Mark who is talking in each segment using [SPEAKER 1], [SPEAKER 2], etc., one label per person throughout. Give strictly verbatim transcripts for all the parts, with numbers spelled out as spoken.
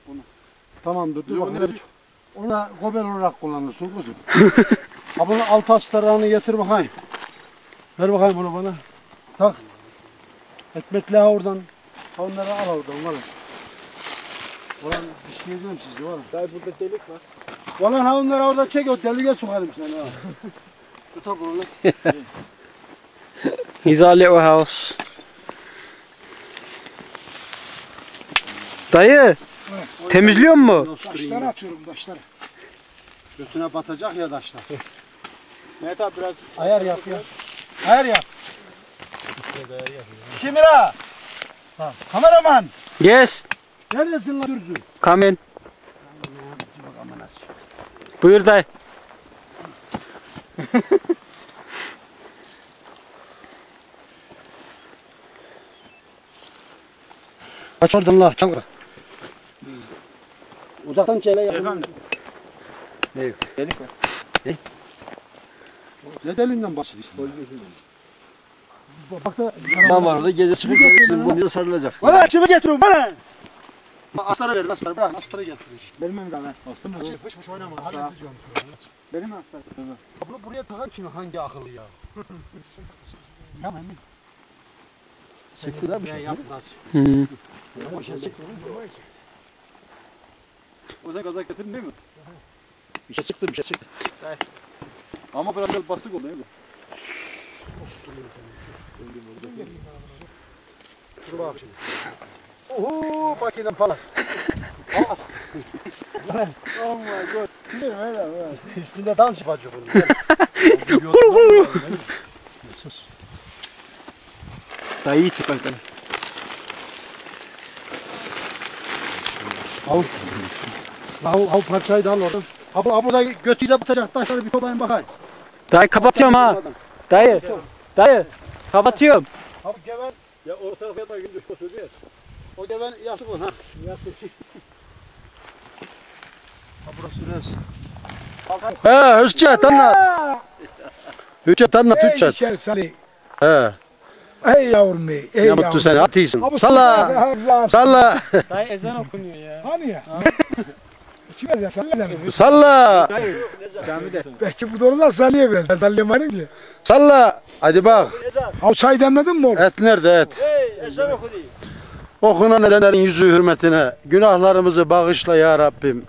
[SPEAKER 1] Onu.
[SPEAKER 2] Tamamdır. Dur bakayım. Ona gober olarak kullanırsın kuzum. Ha bunu alt astarağını getir bakayım. Ver bakayım onu bana. Tak. Ekmekle oradan. Onları al oradan var. Ulan bir şey diyeceğim size var.
[SPEAKER 1] Daha burada delik var.
[SPEAKER 2] Ulan ha onları orada çek o deliğe sokarım seni ha. Tutak onu.
[SPEAKER 3] He's our little house. Dayı, temizliyor mu?
[SPEAKER 1] Taşları atıyorum taşları.
[SPEAKER 2] Götüne batacak ya taşlar.
[SPEAKER 1] Mehmet abi biraz
[SPEAKER 2] Ayar yap ya. Ayar yap. Kim ira? Ha, kameraman.
[SPEAKER 3] Yes,
[SPEAKER 2] Neredesin lan Dürzü?
[SPEAKER 3] come in. Buyur dayı.
[SPEAKER 2] Kaç oradan la. Çal. Uzaktan çele yapın.
[SPEAKER 1] efendim.
[SPEAKER 2] Ne?
[SPEAKER 1] Delik var.
[SPEAKER 2] Ne deliğinden bahsediyorsun? Bak da
[SPEAKER 4] Ben var orada gece çıkıp görürsün bu bize sarılacak.
[SPEAKER 2] bana kimi getirin bana. Asları verin asları bırak asları getirin.
[SPEAKER 1] Benim mi kadar? Bastın mı?
[SPEAKER 2] Fış fış oynama. Hadi yapacağım.
[SPEAKER 1] Benim mi aslan?
[SPEAKER 2] Bunu buraya takar ki hangi akıllı ya?
[SPEAKER 1] Tamam mı?
[SPEAKER 4] Çıktı da bir
[SPEAKER 2] Ya
[SPEAKER 4] şey.
[SPEAKER 2] yap nasıl?
[SPEAKER 3] Hmm.
[SPEAKER 1] O zaman kazak getirdin değil mi?
[SPEAKER 4] Bir şey çıktı bir şey çıktı.
[SPEAKER 1] Ama biraz da basık oldu değil mi?
[SPEAKER 2] Dur bak şimdi. Oho bakayım palas. Palas.
[SPEAKER 1] Oh my god. Sinir öyle öyle.
[SPEAKER 2] Üstünde dans yapacak bunu.
[SPEAKER 3] Dayı iyi çık bakalım.
[SPEAKER 2] Al. Al, al parçayı da al oradan. Abi, abi da götüyle batacak taşları bir toplayın bakayım.
[SPEAKER 3] Dayı kapatıyorum ha. Dayı, dayı kapatıyorum.
[SPEAKER 2] Abi geven,
[SPEAKER 1] Ya orta tarafa da gündüz koşuyor ya.
[SPEAKER 2] o geven yastık ol ha. Yastık. Ha burası neresi? He, Hüsçet anlat. Hüsçet anlat,
[SPEAKER 5] Ey
[SPEAKER 2] Hüsçet.
[SPEAKER 5] içeri Salih.
[SPEAKER 2] He.
[SPEAKER 5] Ey yavrum ey. Ey
[SPEAKER 2] Ne mutlu seni, at iyisin. Salla.
[SPEAKER 5] Salla.
[SPEAKER 2] Salla.
[SPEAKER 3] Dayı ezan okunuyor ya.
[SPEAKER 5] Hani ya? Kim ezan? Salla demek.
[SPEAKER 2] Salla.
[SPEAKER 3] Camide.
[SPEAKER 5] Belki bu doğrular Salih'e ben. Ben sallayamadım ki.
[SPEAKER 2] Salla. Hadi bak.
[SPEAKER 5] Al çay demledin mi oğlum?
[SPEAKER 2] Et nerede et?
[SPEAKER 4] Hey ezan oku diye.
[SPEAKER 2] Okunan edenlerin yüzü hürmetine günahlarımızı bağışla ya Rabbim.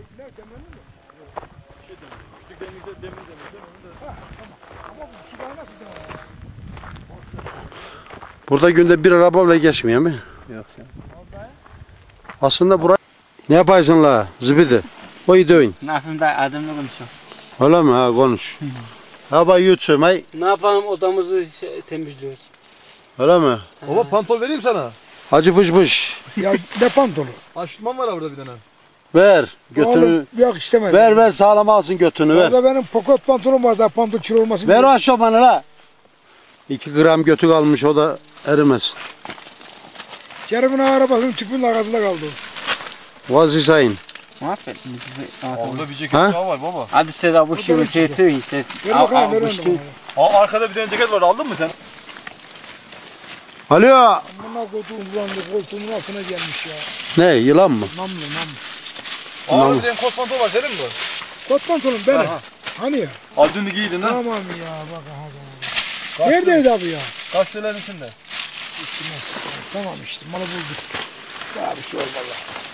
[SPEAKER 2] Burada günde bir araba bile geçmiyor mu?
[SPEAKER 3] Yok sen.
[SPEAKER 2] Aslında buraya ne yapaysın la zibidi? O iyi dövün.
[SPEAKER 3] Ne yapayım dayı adımla konuşuyorum.
[SPEAKER 2] Öyle mi ha konuş. Ha bak yutsum hay.
[SPEAKER 3] Ne yapalım odamızı şey, temizliyoruz.
[SPEAKER 2] Öyle mi?
[SPEAKER 4] Baba pantol vereyim sana.
[SPEAKER 2] Hacı fış fış.
[SPEAKER 5] Ya ne pantolu?
[SPEAKER 4] Açtırmam var burada bir tane.
[SPEAKER 2] Ver götünü.
[SPEAKER 5] Oğlum yok istemedim.
[SPEAKER 2] Ver ver sağlam alsın götünü ver.
[SPEAKER 5] Orada benim poket pantolon var daha pantol kilo olmasın
[SPEAKER 2] Ver
[SPEAKER 5] diye.
[SPEAKER 2] o aşağı bana la. İki gram götü kalmış o da erimesin.
[SPEAKER 5] Kerim'in arabasının tüpünün arkasında kaldı.
[SPEAKER 2] Vazisayın.
[SPEAKER 3] Mahvettin bizi.
[SPEAKER 4] Orada bir ceket
[SPEAKER 2] Ha?
[SPEAKER 4] daha var baba.
[SPEAKER 3] Hadi said I wish you was here too. He said,
[SPEAKER 5] Ver
[SPEAKER 3] I,
[SPEAKER 5] bakalım
[SPEAKER 3] I
[SPEAKER 5] ver
[SPEAKER 3] wish too.
[SPEAKER 5] onu.
[SPEAKER 4] Aa arkada bir tane ceket var aldın mı sen?
[SPEAKER 2] Alo.
[SPEAKER 5] Amına koduğum bulandı koltuğumun altına gelmiş ya.
[SPEAKER 2] Ne yılan mı?
[SPEAKER 5] Namlı namlı.
[SPEAKER 4] Aa bir tane kot pantol var senin mi?
[SPEAKER 5] Kot pantolon benim. Hani ya?
[SPEAKER 4] Al dün giydin ha.
[SPEAKER 5] Tamam ya bak hadi. Neredeydi abi ya?
[SPEAKER 4] Kaç liranın içinde?
[SPEAKER 5] Tamam işte malı bulduk. Daha bir şey olmalı.